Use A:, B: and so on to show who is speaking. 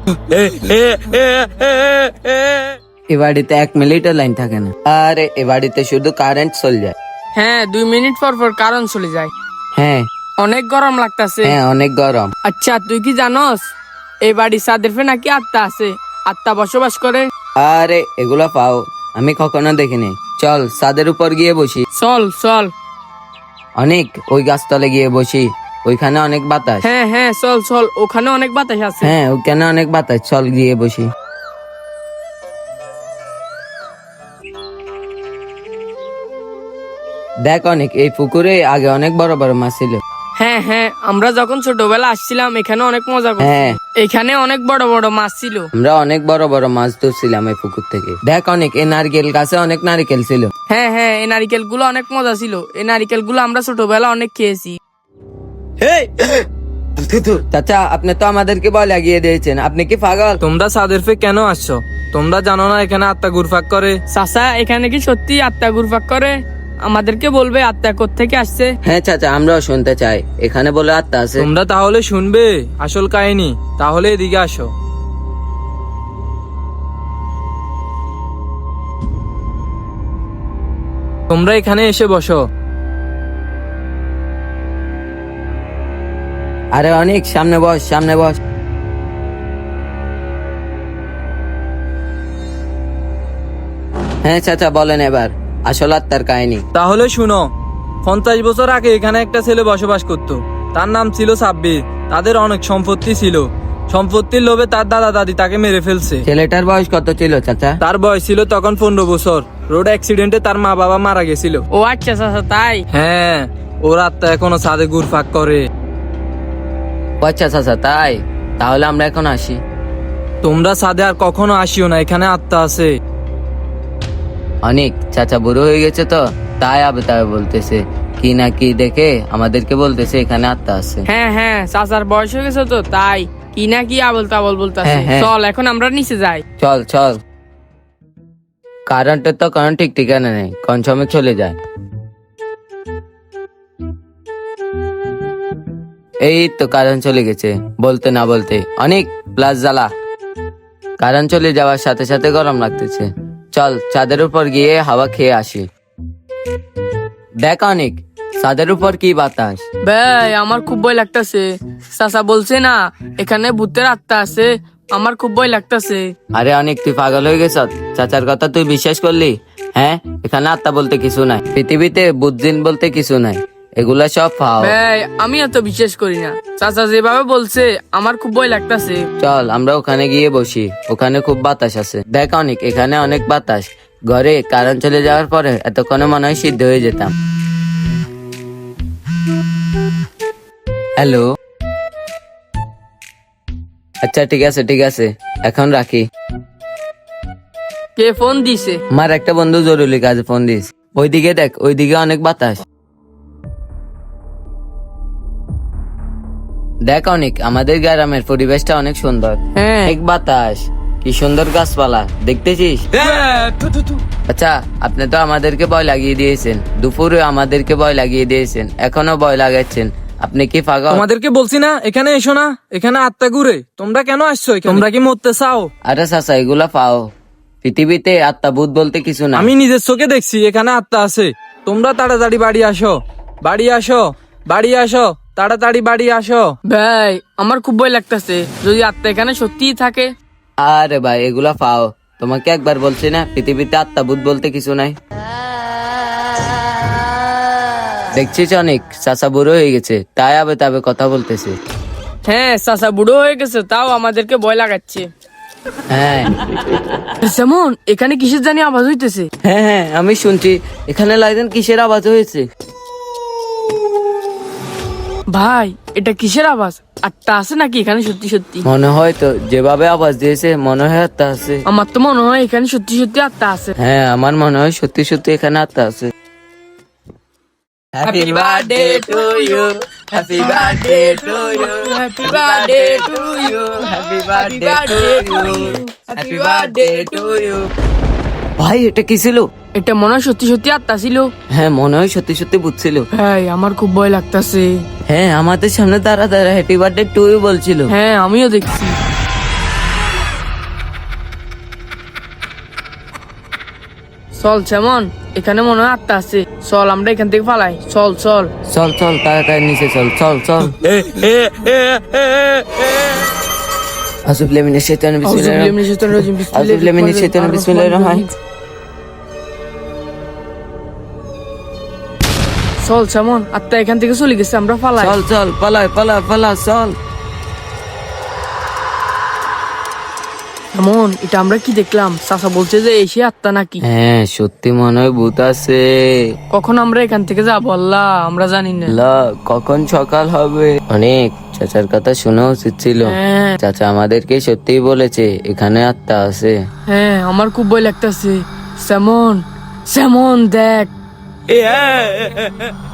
A: এ বাড়িতে 1 মিনিটও লাইন থাকে না। আরে এ বাড়িতে শুধু কারেন্ট চলে যায়।
B: হ্যাঁ 2 মিনিট পর পর কারণ চলে যায়।
A: হ্যাঁ
B: অনেক গরম লাগতাছে।
A: হ্যাঁ অনেক গরম।
B: আচ্ছা তুই কি জানস এই বাড়ি সাদের ফে নাকি আত্মা আছে, আত্মা বসবাস করে?
A: আরে এগুলা পাও, আমি কখনো দেখিনি। চল ছাদের উপর গিয়ে বসি।
B: চল চল।
A: অনেক ওই গাছতলে গিয়ে বসি, ওইখানে অনেক বাতাস।
B: হ্যাঁ হ্যাঁ চল চল, ওখানে অনেক বাতাস আছে।
A: হ্যাঁ ওখানে অনেক বাতাস, চল গিয়ে বসি। দেখ অনেক, এই পুকুরে আগে অনেক বড় বড় মাছ ছিল।
B: হ্যাঁ হ্যাঁ, আমরা যখন ছোটবেলা আসছিলাম এখানে অনেক মজা করছি।
A: হ্যাঁ।
B: এখানে অনেক বড় বড় মাছ ছিল।
A: আমরা অনেক বড় বড় মাছ ধরছিলাম এই পুকুর থেকে। দেখ অনেক, এই নারকেল গাছে অনেক নারকেল ছিল।
B: হ্যাঁ হ্যাঁ, এই নারিকেল গুলো অনেক মজা ছিল। এই নারিকেল গুলো আমরা ছোটবেলা অনেক খেয়েছি।
A: চাচা আপনি তো আমাদেরকে বল লাগিয়ে দিয়েছেন, আপনি কি পাগল?
C: তোমরা সাদের ফে কেন আসছো? তোমরা জানো না এখানে আত্মা ঘুরপাক করে?
B: চাচা এখানে কি সত্যি আত্মা ঘুরপাক করে? আমাদেরকে বলবে আত্মা কোত্থেকে আসছে।
A: হ্যাঁ চাচা, আমরাও শুনতে চাই। এখানে বলে আত্মা আছে।
C: তোমরা তাহলে শুনবে আসল কাহিনী? তাহলে এদিকে আসো। তোমরা এখানে এসে বসো।
A: আরে অনেক সামনে বস, সামনে বস। হ্যাঁ চাচা বলেন এবার আসল আত্মার কাহিনী।
C: তাহলে শুনো, 50 বছর আগে এখানে একটা ছেলে বসবাস করত। তার নাম ছিল সাব্বির। তাদের অনেক সম্পত্তি ছিল। সম্পত্তির লোভে তার দাদা দাদি তাকে মেরে ফেলছে।
A: ছেলেটার বয়স কত ছিল চাচা?
C: তার বয়স ছিল তখন 15 বছর। রোড অ্যাক্সিডেন্টে তার মা বাবা মারা গেছিল।
B: ও আচ্ছা চাচা তাই?
C: হ্যাঁ, ওর আত্মা এখনো ছাদে ঘুরপাক করে।
A: আচ্ছা চাচা তাই, তাহলে আমরা এখন আসি।
C: তোমরা ছাদে আর কখনো আসিও না, এখানে আত্মা আছে।
A: অনেক চাচা বুড়ো হয়ে গেছে তো, তাই আবে তাই বলতেছে কি না কি দেখে আমাদেরকে বলতেছে এখানে আত্মা আছে।
B: হ্যাঁ হ্যাঁ, চাচার বয়স হয়ে গেছে তো তাই কি না কি আবল তাবল বলতেছে।
A: হ্যাঁ, হ্যাঁ।
B: চল এখন আমরা নিচে যাই।
A: চল চল। কারেন্টের তো কারণ ঠিক ঠিকানা নেই, কোন সময় চলে যায়। এই তো কারেন্ট চলে গেছে বলতে না বলতে। অনেক প্লাস জ্বালা। কারেন্ট চলে যাওয়ার সাথে সাথে গরম লাগতেছে। চল চাঁদের উপর গিয়ে হাওয়া খেয়ে আসি। দেখ অনেক, চাঁদের উপর কি বাতাস।
B: ভাই আমার খুব ভয় লাগতাছে। চাচা বলছে না এখানে ভূতের আত্মা আছে, আমার খুব ভয় লাগতাছে।
A: আরে অনেক, তুই পাগল হয়ে গেছ? চাচার কথা তুই বিশ্বাস করলি? হ্যাঁ, এখানে আত্মা বলতে কিছু নাই, পৃথিবীতে বুদ্ধিন বলতে কিছু নাই, এগুলা সব পাও।
B: ভাই আমি এত বিশ্বাস করি না। চাচা যেভাবে বলছে আমার খুব ভয় লাগতাছে।
A: চল আমরা ওখানে গিয়ে বসি, ওখানে খুব বাতাস আছে। দেখ অনেক, এখানে অনেক বাতাস। ঘরে কারেন্ট চলে যাওয়ার পরে এতক্ষণে মনে হয় সিদ্ধ হয়ে যেতাম। হ্যালো। আচ্ছা ঠিক আছে ঠিক আছে, এখন রাখি।
B: কে ফোন দিছে?
A: আমার একটা বন্ধু জরুরি কাজে ফোন দিস। ওইদিকে দেখ, ওইদিকে অনেক বাতাস। দেখ অনেক, আমাদের গ্রামের পরিবেশটা অনেক সুন্দর।
B: হ্যাঁ
A: অনেক বাতাস, কি সুন্দর গাছপালা দেখতেছিস? আচ্ছা আপনি তো আমাদেরকে ভয় লাগিয়ে দিয়েছেন, দুপুরে আমাদেরকে ভয় লাগিয়ে দিয়েছেন, এখনো ভয় লাগাচ্ছেন। আপনি কি পাগল?
C: তোমাদেরকে বলছি না এখানে এসো না, এখানে আত্মা ঘুরে। তোমরা কেন আসছো এখানে? তোমরা কি মরতে চাও?
A: আরে চাচা এগুলা পাও, পৃথিবীতে আত্মা ভূত বলতে কিছু না।
C: আমি নিজের চোখে দেখছি এখানে আত্মা আছে। তোমরা তাড়াতাড়ি বাড়ি আসো, বাড়ি আসো, বাড়ি আসো, তাড়াতাড়ি বাড়ি আসো।
B: ভাই আমার খুব ভয় লাগতাছে, যদি আত্মা এখানে সত্যিই থাকে।
A: আরে ভাই এগুলা পাও, তোমাকে একবার বলছি না পৃথিবীতে আত্মা ভূত বলতে কিছু নাই। দেখছিস অনেক, চাচা বুড়ো হয়ে গেছে, তাই আবে তবে কথা বলতেছে।
B: হ্যাঁ চাচা বুড়ো হয়ে গেছে, তাও আমাদেরকে ভয় লাগাচ্ছে।
A: হ্যাঁ
B: যেমন এখানে কিসের জানি আওয়াজ হইতেছে।
A: হ্যাঁ হ্যাঁ আমি শুনছি, এখানে লাইদেন কিসের আওয়াজ হয়েছে।
B: ভাই এটা কিসের আওয়াজ? আত্মা আছে নাকি এখানে সত্যি সত্যি?
A: মনে হয় তো, যেভাবে আওয়াজ দিয়েছে মনে হয় আত্মা আছে।
B: আমার তো মনে হয় এখানে সত্যি সত্যি আত্মা আছে।
A: হ্যাঁ আমার মনে হয় সত্যি সত্যি এখানে আত্মা আছে। Happy birthday to you, happy birthday to you,
B: happy birthday to you,
A: happy birthday to you, happy birthday to you. ভাই এটা কি ছিল?
B: এটা মনে হয় সত্যি সত্যি আত্মা ছিল।
A: হ্যাঁ মনে হয় সত্যি সত্যি বুঝছিল।
B: ভাই আমার খুব ভয় লাগতাছে।
A: হ্যাঁ আমাদের সামনে দাঁড়া দাঁড়া হ্যাপি বার্থডে টু ইউ বলছিল।
B: হ্যাঁ আমিও দেখছি। চল সেমন, এখানে মনে হয় আত্মা আছে। চল আমরা এখান থেকে পালাই, চল চল।
A: চল চল তাড়াতাড়ি নিচে চল, চল চল। আউযুবিল্লাহি মিনাশ শাইতানির আউযুবিল্লাহি মিনাশ শাইতানির বিসমিল্লাহির রহমানির রহিম।
B: চল সেমন, আত্মা এখান থেকে চলে গেছে, আমরা পালাই।
A: চল চল পালা পালা পালা চল।
B: এমন, এটা আমরা কি দেখলাম? চাচা বলছে যে এসে আত্মা নাকি?
A: হ্যাঁ সত্যি মনে হয় ভূত আছে।
B: কখন আমরা এখান থেকে যাবো আল্লাহ, আমরা জানি না।
A: লা কখন সকাল হবে? অনেক চাচার কথা শোনা উচিত ছিল।
B: হ্যাঁ
A: চাচা আমাদেরকে সত্যিই বলেছে এখানে আত্মা আছে।
B: হ্যাঁ, আমার খুব ভয় লাগতেছে। সেমন, সেমন দেখ।